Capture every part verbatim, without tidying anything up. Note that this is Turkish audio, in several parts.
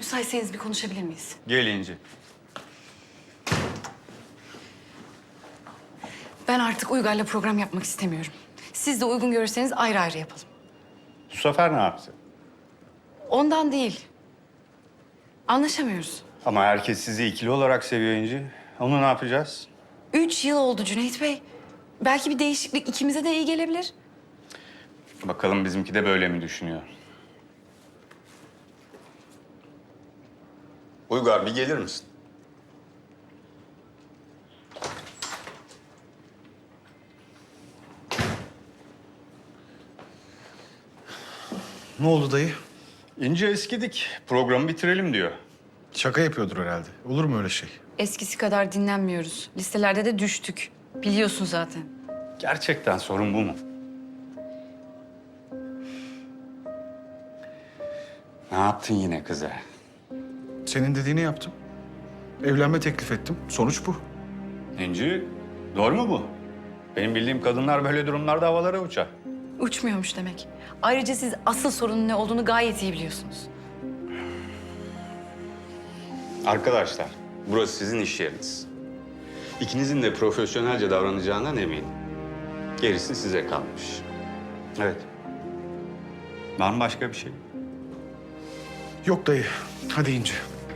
Müsaitseniz bir konuşabilir miyiz? Gel İnci. Ben artık Uygar'la program yapmak istemiyorum. Siz de uygun görürseniz ayrı ayrı yapalım. Bu sefer ne yaptı? Ondan değil. Anlaşamıyoruz. Ama herkes sizi ikili olarak seviyor İnci. Onu ne yapacağız? Üç yıl oldu Cüneyt Bey. Belki bir değişiklik ikimize de iyi gelebilir. Bakalım bizimki de böyle mi düşünüyor? Uygar bir gelir misin? Ne oldu dayı? İnci eskidik. Programı bitirelim diyor. Şaka yapıyordur herhalde. Olur mu öyle şey? Eskisi kadar dinlenmiyoruz. Listelerde de düştük. Biliyorsun zaten. Gerçekten sorun bu mu? Ne yaptın yine kıza? Senin dediğini yaptım. Evlenme teklif ettim. Sonuç bu. İnci, doğru mu bu? Benim bildiğim kadınlar böyle durumlarda havalara uçar. Uçmuyormuş demek. Ayrıca siz asıl sorunun ne olduğunu gayet iyi biliyorsunuz. Arkadaşlar, burası sizin iş yeriniz. İkinizin de profesyonelce davranacağından eminim. Gerisi size kalmış. Evet. Var mı başka bir şey? Yok dayı. Hadi İnci.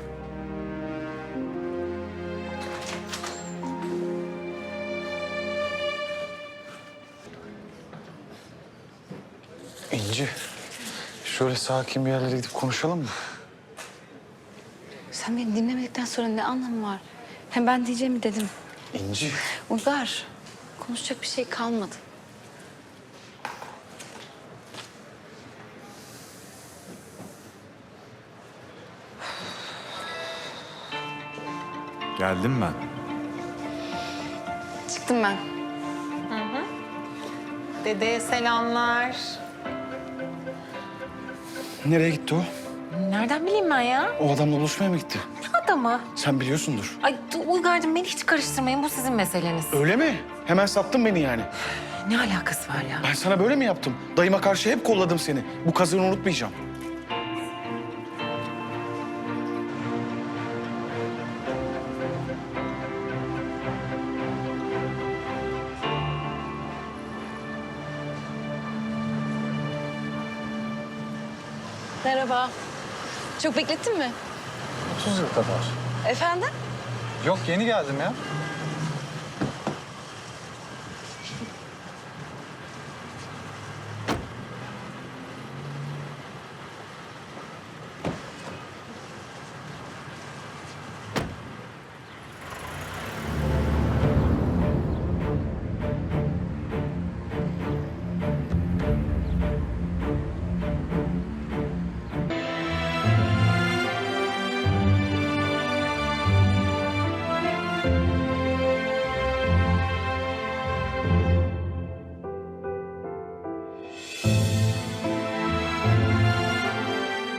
İnci. Şöyle sakin bir yerlere gidip konuşalım mı? Sen beni dinlemedikten sonra ne anlamı var? Hem ben diyeceğimi dedim. İnci. Uygar, konuşacak bir şey kalmadı. Geldim ben. Çıktım ben. Dedeye selamlar. Nereye gitti o? Nereden bileyim ben ya? O adamla buluşmaya mı gitti? Ne adamı? Sen biliyorsundur. Ay Uygar'cığım beni hiç karıştırmayın. Bu sizin meseleniz. Öyle mi? Hemen sattın beni yani. Ne alakası var ya? Ben sana böyle mi yaptım? Dayıma karşı hep kolladım seni. Bu kazığını unutmayacağım. Merhaba. Çok beklettin mi? otuz yıl kadar. Efendim? Yok yeni geldim ya.